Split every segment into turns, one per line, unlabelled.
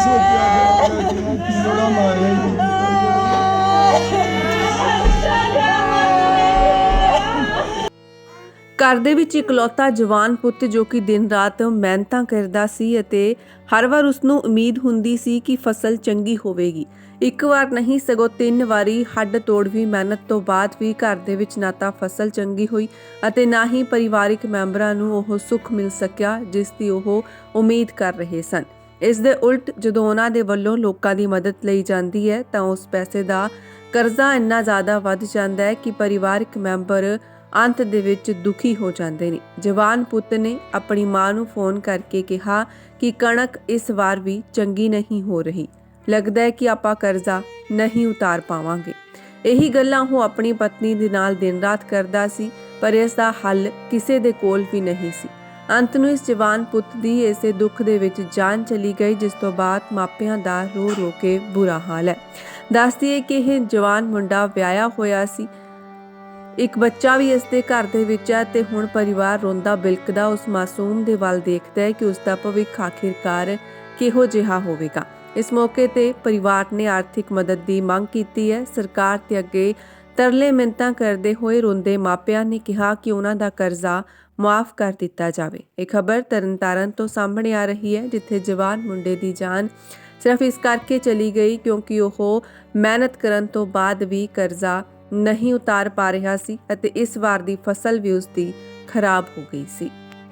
ਸੋਚਿਆ ਗਿਆ ਕਿ ਮੈਂ ਬੜਾ ਮਾਰਿਆ ਜੀ।
ਘਰ ਦੇ ਵਿੱਚ ਇਕਲੌਤਾ ਜਵਾਨ ਪੁੱਤ ਜੋ ਕਿ ਦਿਨ ਰਾਤ ਮਿਹਨਤਾਂ ਕਰਦਾ ਸੀ ਅਤੇ ਹਰ ਵਾਰ ਉਸ ਨੂੰ ਉਮੀਦ ਹੁੰਦੀ ਸੀ ਕਿ ਫਸਲ ਚੰਗੀ ਹੋਵੇਗੀ। ਇੱਕ ਵਾਰ ਨਹੀਂ ਸਗੋਂ 3 ਵਾਰੀ ਹੱਡ ਤੋੜਵੀਂ ਮਿਹਨਤ ਤੋਂ ਬਾਅਦ ਵੀ ਘਰ ਦੇ ਵਿੱਚ ਨਾ ਤਾਂ ਫਸਲ ਚੰਗੀ ਹੋਈ ਅਤੇ ਨਾ ਹੀ ਪਰਿਵਾਰਿਕ ਮੈਂਬਰਾਂ ਨੂੰ ਉਹ ਸੁੱਖ ਮਿਲ ਸਕਿਆ ਜਿਸ ਦੀ ਉਹ ਉਮੀਦ ਕਰ ਰਹੇ ਸਨ। ਇਸ ਦੇ ਉਲਟ ਜਦੋਂ ਉਹਨਾਂ ਦੇ ਵੱਲੋਂ ਲੋਕਾਂ ਦੀ ਮਦਦ ਲਈ ਜਾਂਦੀ ਹੈ ਤਾਂ ਉਸ ਪੈਸੇ ਦਾ ਕਰਜ਼ਾ ਇੰਨਾ ਜ਼ਿਆਦਾ ਵੱਧ ਜਾਂਦਾ ਹੈ ਕਿ ਪਰਿਵਾਰਕ ਮੈਂਬਰ ਅੰਤ ਦੇ ਵਿੱਚ ਦੁਖੀ ਹੋ ਜਾਂਦੇ ਨੇ। ਜਵਾਨ ਪੁੱਤ ਨੇ ਆਪਣੀ ਮਾਂ ਨੂੰ ਫੋਨ ਕਰਕੇ ਕਿਹਾ ਕਿ ਕਣਕ ਇਸ ਵਾਰ ਵੀ ਚੰਗੀ ਨਹੀਂ ਹੋ ਰਹੀ, ਲੱਗਦਾ ਹੈ ਕਿ ਆਪਾਂ ਕਰਜ਼ਾ ਨਹੀਂ ਉਤਾਰ ਪਾਵਾਂਗੇ। ਇਹੀ ਗੱਲਾਂ ਉਹ ਆਪਣੀ ਪਤਨੀ ਦੇ ਨਾਲ ਦਿਨ ਰਾਤ ਕਰਦਾ ਸੀ, ਪਰ ਇਸ ਦਾ ਹੱਲ ਕਿਸੇ ਦੇ ਕੋਲ ਵੀ ਨਹੀਂ ਸੀ। ਅੰਤ ਨੂੰ ਇਸ ਜਵਾਨ ਪੁੱਤ ਦੀ ਇਸੇ ਦੁੱਖ ਦੇ ਵਿੱਚ ਜਾਨ ਚਲੀ ਗਈ, ਜਿਸ ਤੋਂ ਬਾਅਦ ਮਾਪਿਆਂ ਦਾ ਰੋ ਰੋ ਕੇ ਬੁਰਾ ਹਾਲ ਹੈ। ਦੱਸਦੀ ਹੈ ਕਿ ਇਹ ਜਵਾਨ ਮੁੰਡਾ ਵਿਆਹਿਆ ਹੋਇਆ ਸੀ, ਇੱਕ ਬੱਚਾ ਵੀ ਇਸ ਦੇ ਘਰ ਦੇ ਵਿੱਚ ਹੈ ਤੇ ਹੁਣ ਪਰਿਵਾਰ ਰੋਂਦਾ ਬਿਲਕਦਾ ਉਸ ਮਾਸੂਮ ਦੇ ਵੱਲ ਦੇਖਦਾ ਹੈ ਕਿ ਉਸ ਦਾ ਭਵਿੱਖ ਆਖਿਰਕਾਰ ਕਿਹੋ ਜਿਹਾ ਹੋਵੇਗਾ। ਇਸ ਮੌਕੇ ਤੇ ਪਰਿਵਾਰ ਨੇ ਆਰਥਿਕ ਮਦਦ ਦੀ ਮੰਗ ਕੀਤੀ ਹੈ। ਸਰਕਾਰ ਤੇ ਅੱਗੇ ਤਰਲੇ ਮਿੰਨਤਾਂ ਕਰਦੇ ਹੋਏ ਰੋਂਦੇ ਮਾਪਿਆਂ ਨੇ ਕਿਹਾ ਕਿ ਉਹਨਾਂ ਦਾ ਕਰਜ਼ਾ ਮੁਆਫ ਕਰ ਦਿੱਤਾ ਜਾਵੇ। ਇਹ ਖਬਰ ਤਰਨਤਾਰਨ ਤੋਂ ਸਾਹਮਣੇ ਆ ਰਹੀ ਹੈ, ਜਿੱਥੇ ਜਵਾਨ ਮੁੰਡੇ ਦੀ ਜਾਨ ਸਿਰਫ ਇਸ ਕਰਕੇ ਚਲੀ ਗਈ ਕਿਉਂਕਿ ਉਹ ਮਿਹਨਤ ਕਰਨ ਤੋਂ ਬਾਅਦ ਵੀ ਕਰਜ਼ਾ ਨਹੀਂ ਉਤਾਰ ਪਾ ਰਿਹਾ ਸੀ ਅਤੇ ਇਸ ਵਾਰ ਦੀ ਫਸਲ ਵੀ ਉਸ ਦੀ ਖਰਾਬ ਹੋ ਗਈ ਸੀ।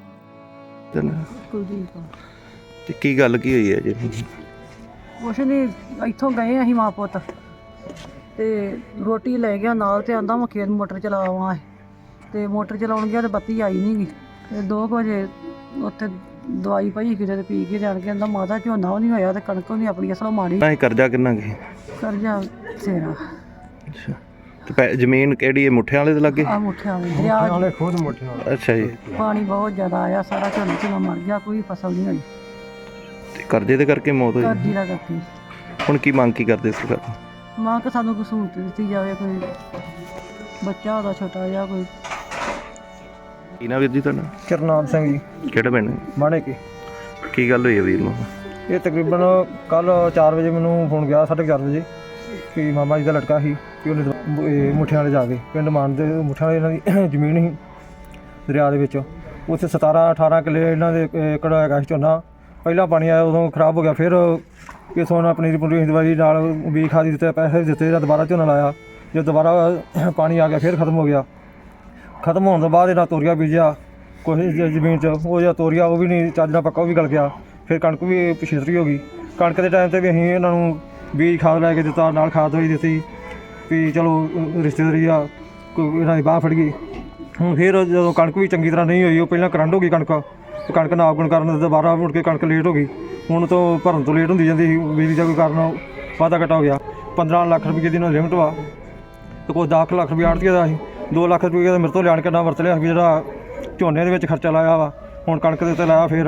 ਤੇ ਕੀ ਗੱਲ ਕੀ ਹੋਈ ਹੈ ਜੀ?
ਕੁਛ ਨਹੀਂ, ਇੱਥੋਂ ਗਏ ਅਸੀਂ ਮਾਂ ਪੁੱਤ ਤੇ ਰੋਟੀ ਲੈ ਗਿਆ ਨਾਲ ਤੇ ਆਂਦਾ ਮੈਂ ਖੇਤ ਮੋਟਰ ਚਲਾਵਾਂ ਤੇ ਮੋਟਰ ਚਲਾਉਣ ਗਿਆ ਤੇ ਬੱਤੀ ਆਈ ਨਹੀਂ ਗੀ ਤੇ 2 ਵਜੇ ਉੱਥੇ ਦਵਾਈ ਪਈ ਕਿਤੇ ਤੇ ਪੀ ਕੇ ਜਾਣ ਕੇ ਆਂਦਾ ਮਾਤਾ ਝੋਨਾ ਨਹੀਂ ਹੋਇਆ ਤੇ ਕਣਕ ਨਹੀਂ ਆਪਣੀ ਅਸਲ ਮਾੜੀ।
ਨਹੀਂ ਕਰਜ਼ਾ ਕਿੰਨਾ ਕੀ?
ਕਰਜ਼ਾ ਸੇਰਾ।
ਅੱਛਾ, ਤੇ ਜ਼ਮੀਨ ਕਿਹੜੀ ਹੈ? ਮੁੱਠਿਆਂ ਵਾਲੇ ਦੇ ਲੱਗੇ?
ਆ ਮੁੱਠਿਆਂ ਦਰਿਆ
ਨਾਲੇ ਖੁਦ ਮੋਟੀਆਂ।
ਅੱਛਾ ਜੀ।
ਪਾਣੀ ਬਹੁਤ ਜ਼ਿਆਦਾ ਆਇਆ, ਸਾਰਾ ਝੋਨਾ ਮਰ ਗਿਆ, ਕੋਈ ਫਸਲ ਨਹੀਂ ਹੋਈ।
ਤੇ ਕਰਜ਼ੇ ਦੇ ਕਰਕੇ ਮੌਤ ਹੋਈ?
ਕਰਜ਼ੀ ਦਾ ਕਰਕੇ।
ਹੁਣ ਕੀ ਮੰਗ ਕੀ ਕਰਦੇ ਸਰਕਾਰ?
ਮਾਂ ਕਿ ਸਾਨੂੰ ਕੋਈ ਸਹੂਲਤ ਦਿੱਤੀ ਜਾਵੇ, ਕੋਈ ਬੱਚਾ ਉਹਦਾ ਛੋਟਾ ਜਿਹਾ ਕੋਈ।
ਕੀ ਨਾ ਵੀਰ ਜੀ ਤੁਹਾਡਾ?
ਕਰਨਾਮ ਸਿੰਘ ਜੀ,
ਕਿਹੜਾ ਪਿੰਡ?
ਮਾਣੇ ਕੀ।
ਕੀ ਗੱਲ ਹੋਈ ਹੈ ਵੀਰ ਨੂੰ?
ਇਹ ਤਕਰੀਬਨ ਕੱਲ 4 ਵਜੇ ਮੈਨੂੰ ਫੋਨ ਗਿਆ, 4:30 ਵਜੇ, ਕਿ ਮਾਮਾ ਜੀ ਦਾ ਲੜਕਾ ਸੀ ਕਿ ਉਹਨੇ ਮੁੱਠਿਆਂ ਵਾਲੇ ਜਾ ਕੇ ਪਿੰਡ ਮਾਨ ਦੇ ਮੁੱਠਿਆਂ ਵਾਲੇ ਇਹਨਾਂ ਦੀ ਜ਼ਮੀਨ ਸੀ ਦਰਿਆ ਦੇ ਵਿੱਚ, ਉੱਥੇ 17-18 ਕਿੱਲੇ ਇਹਨਾਂ ਦੇ ਏਕੜ ਹੈਗਾ ਸੀ ਝੋਨਾ। ਪਹਿਲਾਂ ਪਾਣੀ ਆਇਆ ਉਦੋਂ ਖਰਾਬ ਹੋ ਗਿਆ, ਫਿਰ ਕਿਸੋਂ ਉਹਨਾਂ ਪਨੀਰੀ ਪੁਨੀਰੀ ਦਵਾਈ ਨਾਲ ਬੀਜ ਖਾਦ ਦਿੱਤੇ, ਪੈਸੇ ਵੀ ਦਿੱਤੇ, ਦੁਬਾਰਾ ਝੋਨਾ ਲਾਇਆ। ਜਦੋਂ ਦੁਬਾਰਾ ਪਾਣੀ ਆ ਗਿਆ ਫਿਰ ਖਤਮ ਹੋ ਗਿਆ। ਖਤਮ ਹੋਣ ਤੋਂ ਬਾਅਦ ਇਹਨਾਂ ਤੋਰੀਆ ਬੀਜਿਆ ਕੁਛ ਜ਼ਮੀਨ 'ਚ, ਉਹ ਜਿਹੜਾ ਤੋਰੀਆ ਉਹ ਵੀ ਨਹੀਂ ਚੱਜ ਨਾਲ ਪੱਕਾ, ਉਹ ਵੀ ਗਲ ਗਿਆ। ਫਿਰ ਕਣਕ ਵੀ ਪਿਛੇਤਰੀ ਹੋ ਗਈ। ਕਣਕ ਦੇ ਟਾਈਮ 'ਤੇ ਵੀ ਅਸੀਂ ਇਹਨਾਂ ਨੂੰ ਬੀਜ ਖਾਦ ਲੈ ਕੇ ਦਿੱਤਾ, ਨਾਲ ਖਾਦ ਦਵਾਈ ਦਿੱਤੀ ਵੀ ਚਲੋ ਰਿਸ਼ਤੇਦਾਰੀ ਆ, ਕੋਈ ਇਹਨਾਂ ਦੀ ਬਾਂਹ ਫੜ ਗਈ। ਹੁਣ ਫਿਰ ਜਦੋਂ ਕਣਕ ਵੀ ਚੰਗੀ ਤਰ੍ਹਾਂ ਨਹੀਂ ਹੋਈ, ਉਹ ਪਹਿਲਾਂ ਕਰੰਟ ਹੋ ਗਈ ਕਣਕ, ਕਣਕ ਨਾਪ ਗੁਣ ਕਰਨ ਦੁਬਾਰਾ ਮੁੜ ਕੇ ਕਣਕ ਲੇਟ ਹੋ ਗਈ। ਹੁਣ ਤੋਂ ਭਰਨ ਤੋਂ ਲੇਟ ਹੁੰਦੀ ਜਾਂਦੀ ਸੀ, ਬਿਜਲੀ ਦਾ ਕੋਈ ਕਾਰਨ ਵਾਧਾ ਘਟਾ ਹੋ ਗਿਆ। 15 ਲੱਖ ਰੁਪਏ ਦੀ ਨਾਲ ਲਿਮਟ ਵਾ ਤੇ ਕੋਈ 10 ਲੱਖ ਰੁਪਏ ਆੜ੍ਹਤੀਏ ਦਾ ਸੀ, 2 ਲੱਖ ਰੁਪਏ ਦਾ ਮੇਰੇ ਤੋਂ ਲਿਆਣ ਕੇ ਨਾ ਵਰਤ ਲਿਆ ਵੀ ਜਿਹੜਾ ਝੋਨੇ ਦੇ ਵਿੱਚ ਖਰਚਾ ਲਾਇਆ ਵਾ। ਹੁਣ ਕਣਕ ਦੇ ਉੱਤੇ ਲਾਇਆ ਫਿਰ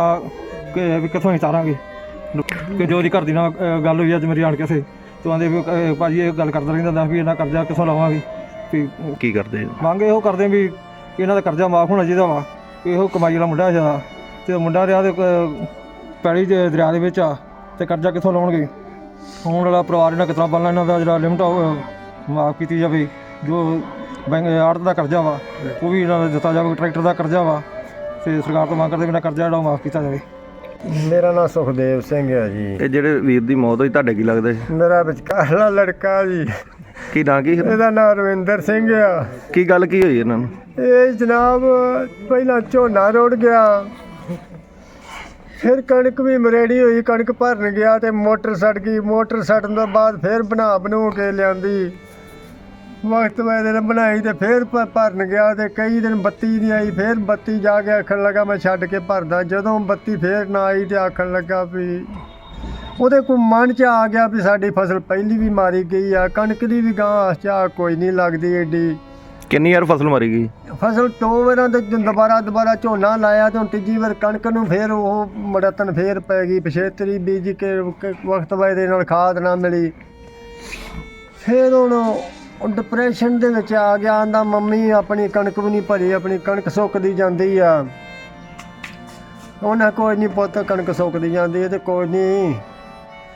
ਵੀ ਕਿੱਥੋਂ ਅਸੀਂ ਤਾਰਾਂਗੇ। ਕਿ ਜੋ ਦੀ ਘਰ ਦੀ ਨਾਲ ਗੱਲ ਹੋਈ ਅੱਜ ਮੇਰੀ ਆਣ ਕੇ ਸੇ ਤੂੰ ਆਂਦੇ ਵੀ ਭਾਜੀ ਇਹ ਗੱਲ ਕਰਦਾ ਰਹਿੰਦਾ ਵੀ ਇਹਨਾਂ ਕਰਜ਼ਾ ਕਿੱਥੋਂ ਲਾਵਾਂਗੇ। ਵੀ
ਕੀ ਕਰਦੇ?
ਮੰਗ ਇਹੋ ਕਰਦੇ ਵੀ ਇਹਨਾਂ ਦਾ ਕਰਜ਼ਾ ਮਾਫ ਹੋਣਾ ਚਾਹੀਦਾ ਵਾ। ਇਹੋ ਕਮਾਈ ਵਾਲਾ ਮੁੰਡਾ ਜ਼ਿਆਦਾ ਅਤੇ ਮੁੰਡਾ ਰਿਹਾ ਤੇ ਪੈਲੀ ਦਰਿਆ ਦੇ ਵਿੱਚ ਆ ਅਤੇ ਕਰਜ਼ਾ ਕਿੱਥੋਂ ਲਾਉਣਗੇ। ਆਉਣ ਵਾਲਾ ਪਰਿਵਾਰ ਇਹਨਾਂ ਕਿਸ ਤਰ੍ਹਾਂ ਪਾਲਣਾ, ਇਹਨਾਂ ਦਾ ਜਿਹੜਾ ਲਿਮਟ ਮਾਫ ਕੀਤੀ ਜਾਵੇ। ਜੋ ਬੈਂਕ ਆੜਤ ਦਾ ਕਰਜ਼ਾ ਵਾ ਉਹ ਵੀ ਇਹਨਾਂ ਦਾ ਦਿੱਤਾ ਜਾਵੇ। ਟਰੈਕਟਰ ਦਾ ਕਰਜ਼ਾ ਵਾ ਅਤੇ ਸਰਕਾਰ ਤੋਂ ਮੰਗ ਕਰਦੇ ਬਿਨਾਂ ਕਰਜ਼ਾ ਜਿਹੜਾ ਮਾਫ ਕੀਤਾ ਜਾਵੇ।
ਮੇਰਾ ਨਾਮ ਸੁਖਦੇਵ ਸਿੰਘ ਹੈ ਜੀ।
ਇਹ ਜਿਹੜੇ ਵੀਰ ਦੀ ਮੌਤ ਹੋਈ ਤੁਹਾਡੇ ਕੀ ਲੱਗਦਾ ਜੀ?
ਮੇਰਾ ਵਿਚਕਾਰਲਾ ਲੜਕਾ ਜੀ।
ਕੀ ਨਾਂ ਕੀ?
ਇਹਦਾ ਨਾਮ ਰਵਿੰਦਰ ਸਿੰਘ ਆ।
ਕੀ ਗੱਲ ਕੀ ਹੋਈ ਇਹਨਾਂ ਨੂੰ?
ਇਹ ਜਨਾਬ ਪਹਿਲਾਂ ਝੋਨਾ ਰੁੜ ਗਿਆ, ਫਿਰ ਕਣਕ ਵੀ ਮਰੇੜੀ ਹੋਈ, ਕਣਕ ਭਰਨ ਗਿਆ ਤੇ ਮੋਟਰ ਸੜ ਗਈ। ਮੋਟਰ ਸੜਨ ਤੋਂ ਬਾਅਦ ਫਿਰ ਬਣਾ ਕੇ ਲਿਆਂਦੀ, ਵਕਤ ਵੇ ਦਿਨ ਬਣਾਈ ਤੇ ਫਿਰ ਭਰਨ ਗਿਆ ਤੇ ਕਈ ਦਿਨ ਬੱਤੀ ਨਹੀਂ ਆਈ। ਫਿਰ ਬੱਤੀ ਜਾ ਕੇ ਆਖਣ ਲੱਗਾ ਮੈਂ ਛੱਡ ਕੇ ਭਰਦਾ। ਜਦੋਂ ਬੱਤੀ ਫਿਰ ਨਾ ਆਈ ਤੇ ਆਖਣ ਲੱਗਾ ਵੀ ਉਹਦੇ ਕੋਲ ਮਨ 'ਚ ਆ ਗਿਆ ਵੀ ਸਾਡੀ ਫਸਲ ਪਹਿਲੀ ਵੀ ਮਾਰੀ ਗਈ ਆ, ਕਣਕ ਦੀ ਵੀ ਗਾਂ ਚਾਹ ਕੋਈ ਨਹੀਂ ਲੱਗਦੀ ਏਡੀ।
ਕਿੰਨੀ ਵਾਰ ਫਸਲ ਮਾਰੀ ਗਈ?
ਫਸਲ 2 ਵਾਰਾਂ ਤੇ ਦੁਬਾਰਾ ਝੋਨਾ ਲਾਇਆ ਤੇ ਹੁਣ ਤੀਜੀ ਵਾਰ ਕਣਕ ਨੂੰ ਫਿਰ ਉਹ ਮੜਤਨ ਫਿਰ ਪੈ ਗਈ। ਪਿਛੇਤਰੀ ਬੀਜ ਕੇ ਵਕਤ ਵੇ ਦੇ ਨਾਲ ਖਾਦ ਨਾ ਮਿਲੀ। ਫਿਰ ਹੁਣ ਉਹ ਡਿਪਰੈਸ਼ਨ ਦੇ ਵਿੱਚ ਆ ਗਿਆ। ਆਂਦਾ ਮੰਮੀ ਆਪਣੀ ਕਣਕ ਵੀ ਨਹੀਂ ਭਰੀ, ਆਪਣੀ ਕਣਕ ਸੁੱਕਦੀ ਜਾਂਦੀ ਆ। ਉਹਨਾਂ ਕੋਈ ਨਹੀਂ ਪੁੱਤ, ਕਣਕ ਸੁੱਕਦੀ ਜਾਂਦੀ ਹੈ ਤੇ ਕੋਈ ਨਹੀਂ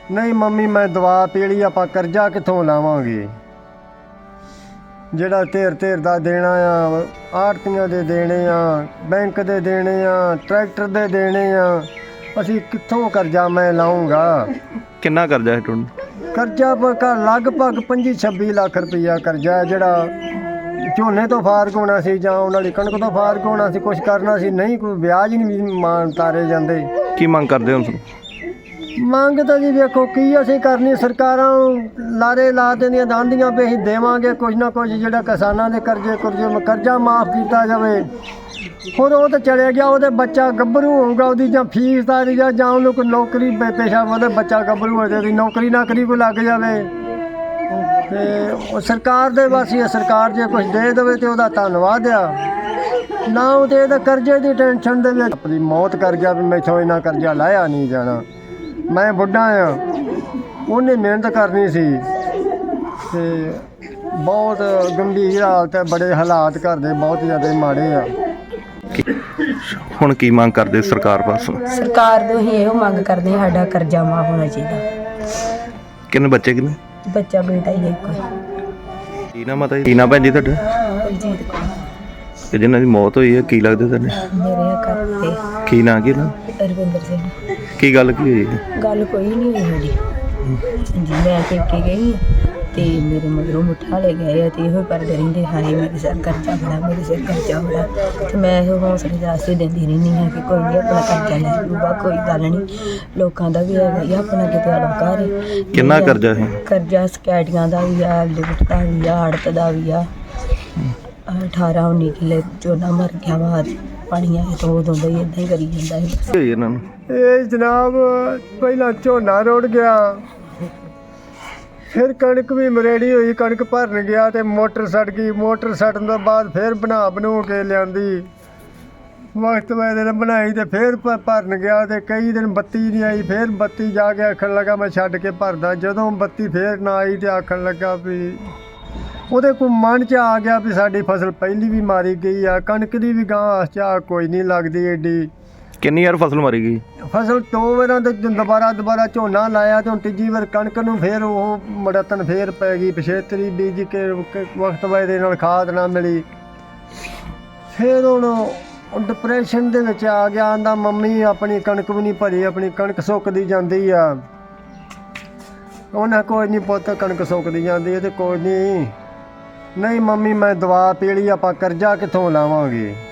ਨਹੀਂ ਮੰਮੀ ਮੈਂ ਦਵਾ ਪੀ ਲਈ, ਆਪਾਂ ਕਰਜ਼ਾ ਕਿੱਥੋਂ ਲਾਵਾਂਗੇ? ਜਿਹੜਾ ਧਿਰ ਦਾ ਦੇਣਾ ਆ, ਆੜਤੀਆਂ ਦੇ ਦੇਣੇ ਆ, ਬੈਂਕ ਦੇ ਦੇਣੇ ਆ, ਟਰੈਕਟਰ ਦੇ ਦੇਣੇ ਆ, ਅਸੀਂ ਕਿੱਥੋਂ ਕਰਜ਼ਾ ਮੈਂ ਲਾਉਂਗਾ?
ਕਿੰਨਾ ਕਰਜ਼ਾ ਹੈ ਤੁਹਾਨੂੰ?
ਕਰਜ਼ਾ ਲਗਭਗ 25-26 ਲੱਖ ਰੁਪਈਆ ਕਰਜ਼ਾ ਹੈ, ਜਿਹੜਾ ਝੋਨੇ ਤੋਂ ਫਾਰਗ ਹੋਣਾ ਸੀ ਜਾਂ ਉਹਨਾਂ ਵਾਲੀ ਕਣਕ ਤੋਂ ਫਾਰਗ ਹੋਣਾ ਸੀ, ਕੁਛ ਕਰਨਾ ਸੀ, ਨਹੀਂ ਕੋਈ ਵਿਆਜ ਹੀ ਨਹੀਂ ਮਾਨ ਤਾਰੇ ਜਾਂਦੇ।
ਕੀ ਮੰਗ ਕਰਦੇ ਹੋ ਤੁਸੀਂ?
ਮੰਗ ਤਾਂ ਜੀ ਵੇਖੋ ਕੀ ਅਸੀਂ ਕਰਨੀ, ਸਰਕਾਰਾਂ ਲਾਰੇ ਲਾ ਦਿੰਦੀਆਂ ਦਾਂਦੀਆਂ ਵੀ ਅਸੀਂ ਦੇਵਾਂਗੇ ਕੁਝ ਨਾ ਕੁਝ, ਜਿਹੜਾ ਕਿਸਾਨਾਂ ਦੇ ਕਰਜ਼ਾ ਮਾਫ ਕੀਤਾ ਜਾਵੇ। ਹੁਣ ਉਹ ਤਾਂ ਚਲੇ ਗਿਆ, ਉਹਦੇ ਬੱਚਾ ਗੱਭਰੂ ਹੋਊਗਾ, ਉਹਦੀ ਜਾਂ ਫੀਸ ਤਾਰੀ ਜਾਂ ਉਹਨੂੰ ਕੋਈ ਨੌਕਰੀ ਪੇਸ਼ਾ, ਉਹਦਾ ਬੱਚਾ ਗੱਭਰੂ ਹੋ ਜਾਵੇ, ਨੌਕਰੀ ਨਾਕਰੀ ਕੋਈ ਲੱਗ ਜਾਵੇ। ਤੇ ਉਹ ਸਰਕਾਰ ਦੇ ਵਾਸੀ, ਸਰਕਾਰ ਜੇ ਕੁਝ ਦੇ ਦੇਵੇ ਤੇ ਉਹਦਾ ਧੰਨਵਾਦ ਆ, ਨਾ ਉਹ ਤੇ ਇਹਦਾ ਕਰਜ਼ੇ ਦੀ ਟੈਨਸ਼ਨ ਦੇ ਵਿੱਚ ਆਪਣੀ ਮੌਤ ਕਰ ਗਿਆ ਵੀ ਮੈਥੋਂ ਇੰਨਾ ਕਰਜ਼ਾ ਲਾਇਆ ਨਹੀਂ ਜਾਣਾ। ਮੈਂ ਬੁੱਢਾ ਆ, ਉਹਨੇ ਮਿਹਨਤ ਕਰਨੀ ਸੀ ਤੇ ਬਹੁਤ ਗੰਭੀਰ ਹਾਲਤ ਹੈ, ਬੜੇ ਹਾਲਾਤ ਘਰ ਦੇ ਬਹੁਤ ਜ਼ਿਆਦਾ ਮਾੜੇ ਆ।
ਹੁਣ ਕੀ ਮੰਗ ਕਰਦੇ ਹੋ ਸਰਕਾਰ ਪਾਸੋਂ?
ਸਰਕਾਰ ਤੋਂ ਹੀ ਇਹੋ ਮੰਗ ਕਰਦੇ ਹਾਂ, ਸਾਡਾ ਕਰਜ਼ਾ ਮਾਫ ਹੋਣਾ ਚਾਹੀਦਾ।
ਕਿੰਨੇ ਬੱਚੇ ਕਿੰਨੇ?
ਬੱਚਾ ਬੇਟਾ ਹੀ ਇੱਕ
ਕੀ ਨਾਮ ਮਾਤਾ ਜੀ? ਕੀ ਨਾਮ ਭੈਣ ਜੀ ਤੁਹਾਡਾ?
ਬਲਜੀਤ ਕੌਰ
ਤੇ ਜਿਨ੍ਹਾਂ ਦੀ ਮੌਤ ਹੋਈ ਹੈ ਕੀ ਲੱਗਦੇ ਤੁਹਾਡੇ?
ਮੇਰੇ ਘਰ ਤੇ
ਕੀ ਨਾਂ ਕੀ ਨਾ?
ਰਵਿੰਦਰ ਸਿੰਘ।
ਕੀ ਗੱਲ ਕੀ ਹੋਈ ਹੈ?
ਗੱਲ ਕੋਈ ਨਹੀਂ ਹੋਈ ਸਾਡੀ ਜੀ, ਮੈਂ ਪੇਕੇ ਗਈ ਤੇ ਮੇਰੇ ਮਗਰੋਂ ਮੁੱਠਾ ਲੈ ਗਏ ਤੇ ਇਹੋ ਕਰਦੇ ਰਹਿੰਦੇ, ਹਾਏ ਮੇਰੇ ਸਿਰ ਕਰਜ਼ਾ ਬੜਾ, ਮੇਰੇ ਸਿਰ ਕਰਜ਼ਾ ਬੜਾ। ਤੇ ਮੈਂ ਇਹੋ ਹੌਸਲੇ ਦਾਸਤੇ ਦਿੰਦੀ ਰਹਿੰਦੀ ਹਾਂ ਕਿ ਕੋਈ ਨਹੀਂ, ਆਪਣਾ ਕਰਜ਼ਾ ਲੈ ਲੂਗਾ, ਕੋਈ ਗੱਲ ਨਹੀਂ, ਲੋਕਾਂ ਦਾ ਵੀ ਹੈਗਾ ਹੀ ਆਪਣਾ, ਕਿਤੇ ਆੜਾ ਘਰ।
ਕਿੰਨਾ ਕਰਜ਼ਾ ਹੈ?
ਕਰਜ਼ਾ ਸਕੈਟੀਆਂ ਦਾ ਵੀ ਆ, ਲਿਫਟ ਦਾ ਵੀ ਆ, ਆੜਤ ਦਾ ਵੀ ਆ। 18-19 ਕਿੱਲੇ ਝੋਨਾ ਮਰ ਗਿਆ ਵਾ, ਪਾਣੀ ਆਏ ਤੋਂ ਉਦੋਂ ਦਾ ਹੀ ਇੱਦਾਂ ਹੀ ਕਰੀ ਜਾਂਦਾ ਹੈ।
ਕੀ ਹੋਈ ਇਹਨਾਂ ਨੂੰ?
ਇਹ ਜਨਾਬ ਪਹਿਲਾਂ ਝੋਨਾ ਰੁੜ ਗਿਆ, ਫਿਰ ਕਣਕ ਵੀ ਮਰੇੜੀ ਹੋਈ, ਕਣਕ ਭਰਨ ਗਿਆ ਤੇ ਮੋਟਰ ਸੜ ਗਈ। ਮੋਟਰ ਸੜਨ ਤੋਂ ਬਾਅਦ ਫਿਰ ਬਣੂ ਕੇ ਲਿਆਂਦੀ, ਵਕਤ ਵੇ ਦਿਨ ਬਣਾਈ ਤੇ ਫਿਰ ਭਰਨ ਗਿਆ ਤੇ ਕਈ ਦਿਨ ਬੱਤੀ ਨਹੀਂ ਆਈ। ਫਿਰ ਬੱਤੀ ਜਾ ਕੇ ਆਖਣ ਲੱਗਾ ਮੈਂ ਛੱਡ ਕੇ ਭਰਦਾ। ਜਦੋਂ ਬੱਤੀ ਫਿਰ ਨਾ ਆਈ ਤੇ ਆਖਣ ਲੱਗਾ ਵੀ ਉਹਦੇ ਕੋਲ ਮਨ 'ਚ ਆ ਗਿਆ ਵੀ ਸਾਡੀ ਫਸਲ ਪਹਿਲੀ ਵੀ ਮਾਰੀ ਗਈ ਆ, ਕਣਕ ਦੀ ਵੀ ਗਾਂ ਚਾਹ ਕੋਈ ਨਹੀਂ ਲੱਗਦੀ ਏਡੀ।
ਕਿੰਨੀ ਵਾਰ ਫਸਲ ਮਾਰੀ ਗਈ?
ਫਸਲ 2 ਵਾਰਾਂ ਤੇ ਦੁਬਾਰਾ ਝੋਨਾ ਲਾਇਆ ਤੇ ਹੁਣ ਤੀਜੀ ਵਾਰ ਕਣਕ ਨੂੰ ਫਿਰ ਉਹ ਮੜਤਨ ਫਿਰ ਪੈ ਗਈ, ਪਛੇਤਰੀ ਬੀਜ ਕੇ ਵਕਤ ਵੇ ਦੇ ਨਾਲ ਖਾਦ ਨਾ ਮਿਲੀ। ਫਿਰ ਹੁਣ ਡਿਪਰੈਸ਼ਨ ਦੇ ਵਿੱਚ ਆ ਗਿਆ, ਆਂਦਾ ਮੰਮੀ ਆਪਣੀ ਕਣਕ ਵੀ ਨਹੀਂ ਭਰੀ, ਆਪਣੀ ਕਣਕ ਸੁੱਕਦੀ ਜਾਂਦੀ ਆ। ਉਹਨਾਂ ਕੋਈ ਨਹੀਂ ਪੁੱਤ, ਕਣਕ ਸੁੱਕਦੀ ਜਾਂਦੀ ਹੈ ਤੇ ਕੋਈ ਨਹੀਂ ਮੰਮੀ ਮੈਂ ਦਵਾ ਪੀ ਲਈ, ਆਪਾਂ ਕਰਜ਼ਾ ਕਿੱਥੋਂ ਲਾਵਾਂਗੇ?